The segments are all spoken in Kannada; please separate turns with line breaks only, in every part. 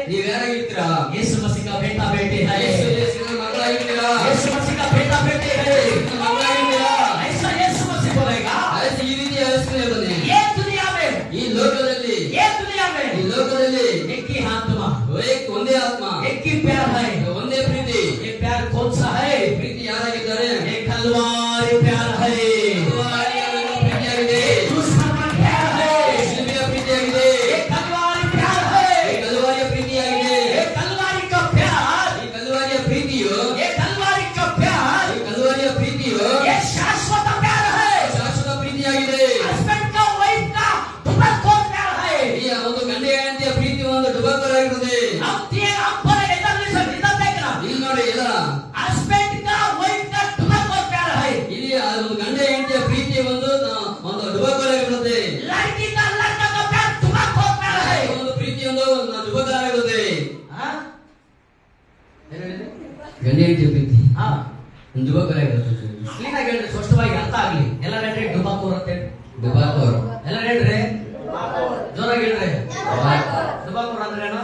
ನೀವ್ಯಾರಾಗಿರ್ತೀರಾ?
यीशु मसीह का बेटा बेटी है,
ಯೇಸುವಿನ ಮಕ್ಕಳಾಗಿರ್ತೀರಾ?
यीशु मसीह का बेटा बेटी है।
ಯೇಸುವಿನ ಮಕ್ಕಳಾಗಿರ್ತೀರಾ?
ऐसा यीशु मसीह बोलेगा
ಈ ರೀತಿ ಹೇಳಿಸ್ತಾನೆ.
ये दुनिया में,
ಈ ಲೋಕದಲ್ಲಿ
ये दुनिया में
ಈ ಲೋಕದಲ್ಲಿ
एक ही आत्मा,
ಒಂದೇ ಆತ್ಮ,
एक ही प्यार है।
ಒಂದೇ ಪ್ರೀತಿ.
ये प्यार कौन सा है?
ಪ್ರೀತಿ ಯಾರಾಗಿದ್ದಾರೆ?
ये कलवारी प्यार है,
ಕಲ್ವಾರಿಯ ಪ್ರೀತಿಯಾಗಿದೆ.
क्रूस का प्यार है,
ಶಿಲುಬೆಯ ಪ್ರೀತಿಯಾಗಿದೆ.
ये कलवारी प्यार है,
ಈ ಕಲ್ವಾರಿಯ ಪ್ರೀತಿಯಾಗಿದೆ.
ये कलवारी का प्यार,
ಈ ಕಲ್ವಾರಿಯ ಪ್ರೀತಿಯು
ये कलवारी का प्यार,
ಈ ಕಲ್ವಾರಿಯ ಪ್ರೀತಿಯು
ये शाश्वत प्यार है।
ಶಾಶ್ವತ ಪ್ರೀತಿಯಾಗಿದೆ.
हस्बैंड का वाइफ का दुबकोर प्यार है।
ಈ ಒಂದು ಗಂಡ ಹೆಂಡತಿಯ ಪ್ರೀತಿ ಒಂದು ಡುಬಾಕರಾಗಿರುತ್ತದೆ.
हम बोले इधर लिसन, इधर देखना,
ಇಲ್ಲಿ ನೋಡಿ, ಇಲ್ಲ
हस्बैंड का वाइफ का दुबकोर प्यार है।
ಇಲ್ಲಿ ಆ ಒಂದು ಗಂಡ ಹೆಂಡತಿಯ ಪ್ರೀತಿ ಒಂದು ಡುಬಾಕರಾಗಿರುತ್ತದೆ.
लड़की का लड़का का प्यार दुबकोर प्यार है।
ಒಂದು ಪ್ರೀತಿ ಒಂದು ಡುಬಾಕರಾಗಿರುತ್ತದೆ.
हाँ? ಏನು ಹೇಳಿದೆ?
ಗಂಡ ಹೆಂಡತಿಯ ಪ್ರೀತಿ
ಹಾ,
ಒಂದು ಡುಬಾಕರಾಗಿರುತ್ತದೆ.
ಕ್ಲೀನ್ ಆಗಿ ಹೇಳ್ರಿ, ಸ್ಪಷ್ಟವಾಗಿ ಅರ್ಥ ಆಗ್ಲಿ. ಎಲ್ಲ ಹೇಳ್ರಿ ಡುಬಕೋರ್ ಅಂತ ಹೇಳಿ.
ಡುಬಾಕೋರ್
ಎಲ್ಲ ಹೇಳ್ರಿ, ಜೋರಾಗಿ ಹೇಳ್ರಿ. ಡುಬಕೋರ್ ಅಂದ್ರೆ ಏನು?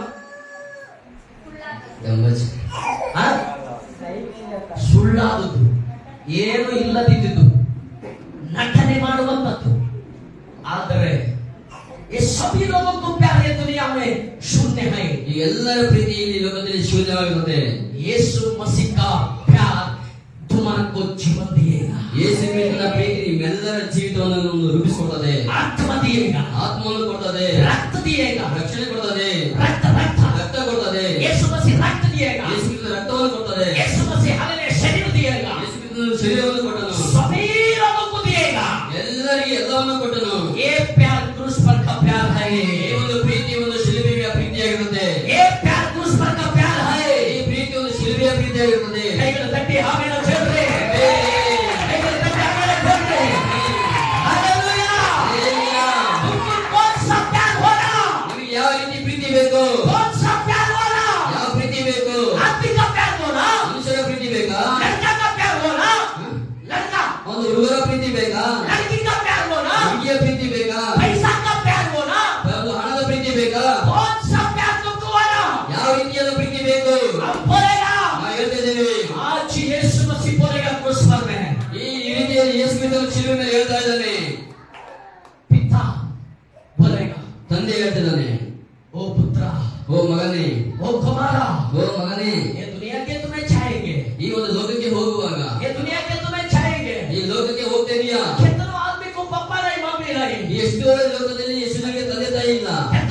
ಗಮ್ಮಚ್
ಹಾ? ಸುಳ್ಳಾದದ್ದು, ಏನು ಇಲ್ಲದಿದ್ದು, ನಟನೆ ಮಾಡುವಂತದ್ದು. ಆದರೆ ये सभी लोगों को प्यार ये दुनिया में शून्य है।
ಈ ಎಲ್ಲರ ಪ್ರೀತಿ ಈ ಲೋಕದಲ್ಲಿ ಶೂನ್ಯವಾಗಿರುತ್ತದೆ.
यीशु मसीह का प्यार तुमको जीवन दिएगा,
ಯೇಸು ಕ್ರಿಸ್ತನ ಪ್ರೀತಿ ನಿಮ್ಮೆಲ್ಲರ ಜೀವಿತವನ್ನು ರೂಪಿಸಿಕೊಡುತ್ತದೆ.
आत्मा दिएगा,
ಆತ್ಮವನ್ನು ಕೊಡುತ್ತದೆ,
रक्त दिएगा,
ರಕ್ಷಣೆ ಕೊಡುತ್ತದೆ,
रक्त रक्त
ರಕ್ತ ಕೊಡುತ್ತದೆ.
यीशु मसीह रक्त दिएगा,
ಯೇಸು ಕ್ರಿಸ್ತನ ರಕ್ತವನ್ನು ಕೊಡುತ್ತದೆ.
यीशु मसीह हमें शरीर दिएगा,
ಯೇಸು ಕ್ರಿಸ್ತನ ಶರೀರವನ್ನು ಕೊಟ್ಟನು,
सभी लोगों को दिएगा।
ಎಲ್ಲರಿಗೆ ಎಲ್ಲವನ್ನು ಕೊಟ್ಟನು.
ये प्यार क्रूस पर का प्यार है,
ಈ ಒಂದು ಪ್ರೀತಿ ಒಂದು ಶಿಲುಬೆಯ ಪ್ರೀತಿಯಾಗಿರುತ್ತದೆ.
ये प्यार क्रूस पर का प्यार है।
ಈ ಪ್ರೀತಿ ಒಂದು ಶಿಲುಬೆಯ ಪ್ರೀತಿಯಾಗಿರುತ್ತದೆ.
ಕೈಗಳು ತಟ್ಟಿ ಆಮೆನ್ ಹೇಳ್ರಿ, ಕೈಗಳು ತಟ್ಟಿ ಆಮೆನ್ ಹೇಳ್ರಿ. हालेलुया।
ಹಾಲೆಲೂಯಾ.
तुमको कौन सा प्यार हो रहा?
ನಿಮಗೆ ಯಾವ ರೀತಿ ಪ್ರೀತಿ ಬೇಕು?
कौन सा प्यार हो रहा?
ಯಾವ ಪ್ರೀತಿ ಬೇಕು?
आदमी का प्यार हो रहा,
ಮನುಷ್ಯರ ಪ್ರೀತಿ ಬೇಕಾ?
लड़का का प्यार हो रहा, लड़का,
ಒಂದು ಹುಡುಗರ ಪ್ರೀತಿ ಬೇಕಾ?
लड़की का प्यार हो रहा,
ಹುಡುಗಿಯ ಪ್ರೀತಿ ಬೇಕಾ?
पैसा का प्यार हो रहा,
ಒಂದು ಹಣದ ಪ್ರೀತಿ ಬೇಕಾ?
कौन सा प्यार तुमको हो रहा?
ಯಾವ ರೀತಿಯಾದ ಪ್ರೀತಿ ಬೇಕು?
हम बोलेगा
ನಾವು ಹೇಳ್ತಿದ್ದೇವೆ.
आज यीशु मसीह बोलेगा क्रूस पर में,
ಈ ರೀತಿಯಲ್ಲಿ ಯೇಸು ಕ್ರಿಸ್ತನು ಶಿಲುಬೆ ಮೇಲೆ ಹೇಳ್ತಾ ಇದ್ದಾನೆ.
पिता बोलेगा
ತಂದೆ ಹೇಳ್ತಿದ್ದಾನೆ,
ओ पुत्र,
ಓ ಮಗನೇ,
ओ कुमारा,
ಓ ಮಗನೇ,
ये दुनिया के तुम्हें चाहेंगे,
ಈ ಒಂದು ಲೋಕಕ್ಕೆ ಹೋಗುವಾಗ
ये दुनिया के तुम्हें चाहेंगे।
ಈ ಲೋಕಕ್ಕೆ ಹೋಗ್ತಾ ಇದೀಯಾ?
कितनों आदमी को पापा नहीं मम्मी नहीं,
ಎಷ್ಟು ಲೋಕದಲ್ಲಿ ಎಷ್ಟು ಜನರಿಗೆ ತಂದೆ ತಾಯಿ ಇಲ್ಲ.